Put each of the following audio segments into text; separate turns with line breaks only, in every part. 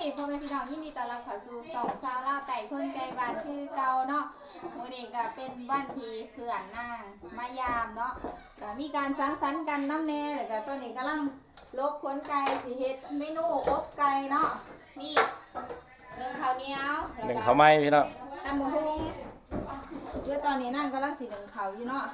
ดีพ่อแม่พี่น้องยินดีต้อนรับเข้าสู่สองสาวลาวไต่คนไกลบ้านคือเก่าเนาะมื้อนี้ก็เป็นวันที่เพื่อนนางมายามเนาะก็มีการสังสรรค์กันน้ำแน่แล้วก็ตอนนี้กำลังลกขนไก่สิเฮ็ดเมนูอบไก่เนาะมีหนึ่งข้าวเหนียว
หนึ่ง
แล้วก็
ข้าวไหม้พี่น้อง
ตำบักหุ่งเดี๋ยวตอนนี้นั่งกำลังสิหนึ่งข้าวอยู่เนาะ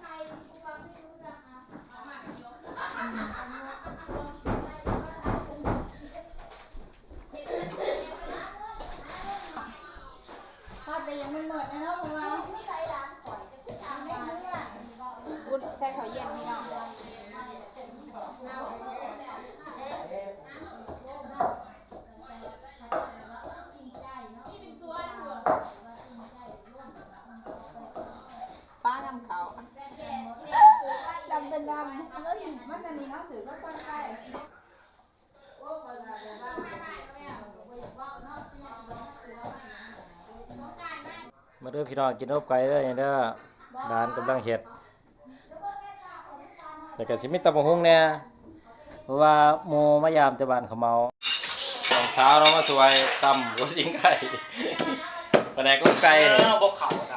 ทอดไปยังไม่หมดนะเนาะเพราะว่าอุ่นใส่ข้าวเย็นพี่น้องป้ากำเขาดำเป็นดำมันอันนี้เนาะถือก็ต้นไก่
มาเด้อพี่น้องกินอบไก่เด้อเด้อร้านกำลังเฮ็ดแต่ก็สิมีตำบักหุ่งแน่เพราะว่าหมู่มายามแต่บ้านเขาเมาสองสาวเรามาสวยตำก็ยิงไก่ปลาแดกลูกไก่บกเขาครับ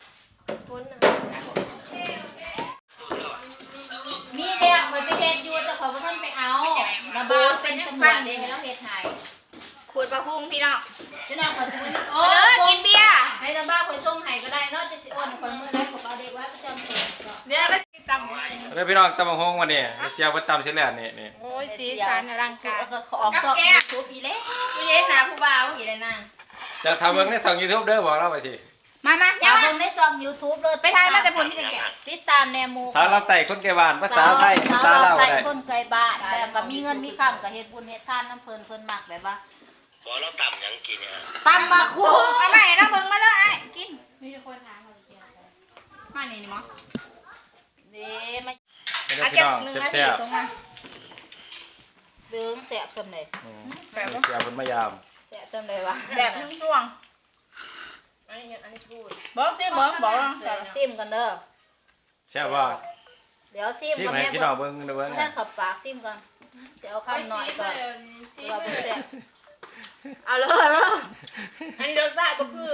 มีเด็กเหมือนไปเฮ็ดอยู่แต่เขาไม่ทันไปเอาระเบิดเป็นตำรวจเองแล้วเฮ็ดไทย
ขูดปลาพุงพี่น้อง
จะนำคนสมุนโอ้
กินเบียร์
ให้ตาบ้าคนส่งให้ก็ได้เนาะจะสิอ้อนคนเมื่อไรผมเอาเด็กไว้ประจำตัว
เบียร์แล้วตำ
เด้อพี่น้องตำบักหุ่งวันนี้เสียเพิ่นตำเสร็จแล้วนี่
โอ้ยสีสันอลังการขอออกซอกยูทูบอีเล่
ผู้เย็นนะผู้บ่าวอีเลยนะ
จะทำเบิ่งในช่อง YouTube เด้อบอกเราไปสิ
มา
อย่าเบิ่งในซองยูทูบเลยไปทายมาแต่ผลที่แก่ติดตามแนวมู
สาวเราไต่คนไกลบ้านภาษาไทยภาษาลาว
ไต่
ได้
คนไกลบ้านแต่ก็มีเงินมีคำก็เฮ็ดบุญเฮ็ดทานน้ำเพิ่นมักแบบว่า
บอกเราต่ำยังกินเนี่ย
ตำบักหุ่ง
มาใหม่นะเบิ่งมาเลยไอ้กิน
มีคนถามเขาเกี่ยว
มานี่นี่มั้ง
เด้มา
เด้อพี่น้องแซ่บ
เบิ่งแซ่บสำเร็จ
ๆเสียเพิ่นมายาม
แซ่บสำเร็จวะ
แบบนุ่งช่วง
อันนี้พูด
บอกสิบอกลอง
เดี๋ยวซิมกันเด้อ
แซ่บบ่
เดี๋ยวซิม
สิ
กัน
ให้
แม่
พี่น้องเบิ่งเด้อเบิ่ง
แม่ขับปากซิมกันเดี๋ยวคำหน่อยก่อนเราเป็นแซ่บเอาเลย
อันนี้รสชาติก็คือ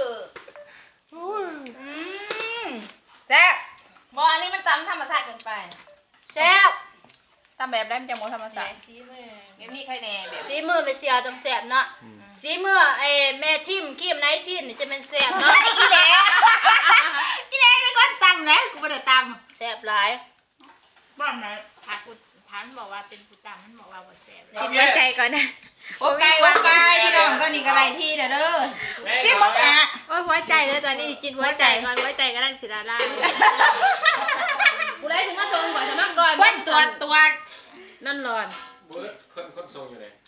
แซ่บบอกอันนี้มันตำธรรมชาติเกินไป
แซ่บ
ตำแบบได้มันจะโมธรรมชาติแบบนี้ใครแน่แบบ
ซีมือไม่เสียจังแซ่บเนาะซีมือไอ้แม่ทิมขี้มไนท์ทิมนี่จะเป็นแซ่บเนาะ
อีแหล่อีแหล่เป็นคนตำนะกูไม่ได้ต
แซ่บหลาย
ำบ้านไหน
ถ้ากูถามบอกว่าเป็นผู้จำมันบอกว่าบ่แซ่บ
กินไว้ใจก่อนนะโอ้ไก่พี่น้องตอนนี้ก็ได้ที่เด้อที่มึงนะ
โอ้ยหัวใจเลยตอนนี้กินหัวใจก่อนหัวใจก็ได้สิดาล่ากูได้ถึงมาทงก่อนทำมั่งก่อน
วันตัว
นั่นร้อน
เบิดคนทรงอยู่เลย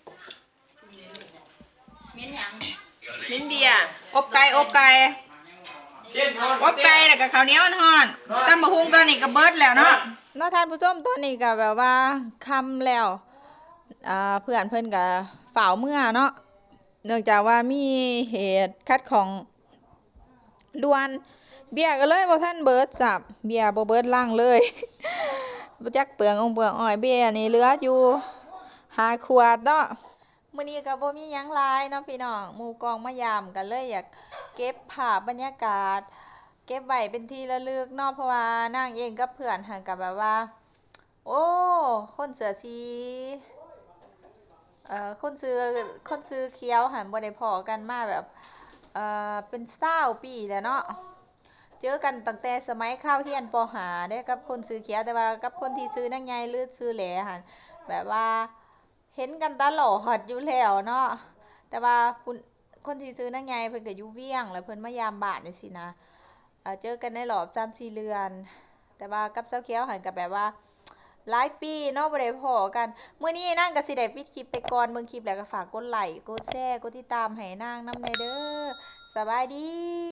มิ้นหยัง
ลิ้นเบียร์อบไก่แล้วก็ข้าวเหนียวห่อนตำมะฮุงตอนนี้ก็เบิดแล้วเนาะท่านผู้ชมตอนนี้ก็แบบว่าคำแล้วเพื่อนเพิ่นก็ฝ่าวเมื่อเนาะเนื่องจากว่ามีเหตุคัดของด่วนเบียร์ก็เลยบ่ทันเบิดสับเบียร์บ่เบิดล่างเลยบ่จักเปลืองอ้อยเบียร์นี่เหลืออยู่5 ขวดเนาะมื้อนี้ก็บ่มีหยังหลายเนาะพี่น้องหมู่กองมายามก็เลยอยากเก็บภาพบรรยากาศเก็บไว้เป็นที่ระลึกเนาะเพราะว่านางเองกับเพื่อนหันกับแบบว่าโอ้คนเสือชีคนซื้อเคี้ยวหันบ่ได้พอกันมาแบบเป็น20 ปีแล้วเนาะเจอกันตั้งแต่สมัยเข้าเรียนป.5เด้กับคนซื้อเคี้ยวแต่ว่ากับคนที่ซื้อนางใหญ่หรือซื้อแหลหันแบบว่าเห็นกันตลอดอยู่แล้วเนาะแต่ว่าคนที่ซื้อนางใหญ่เพิ่นก็อยู่เวียงแล้วเพิ่นมายามบ้านจังซี่นะเจอกันในรอบ 3-4 เดือนแต่ว่ากับเซาเคี้ยวหันกับแบบว่าหลายปีเนาะบ่ได้พ้อกันมื้อนี้นางก็สิได้ปิดคลิปไปก่อนเบิ่งคลิปแล้วก็ฝากกดไลค์กดแชร์กดติดตามให้นางนำแน่เด้อสบายดี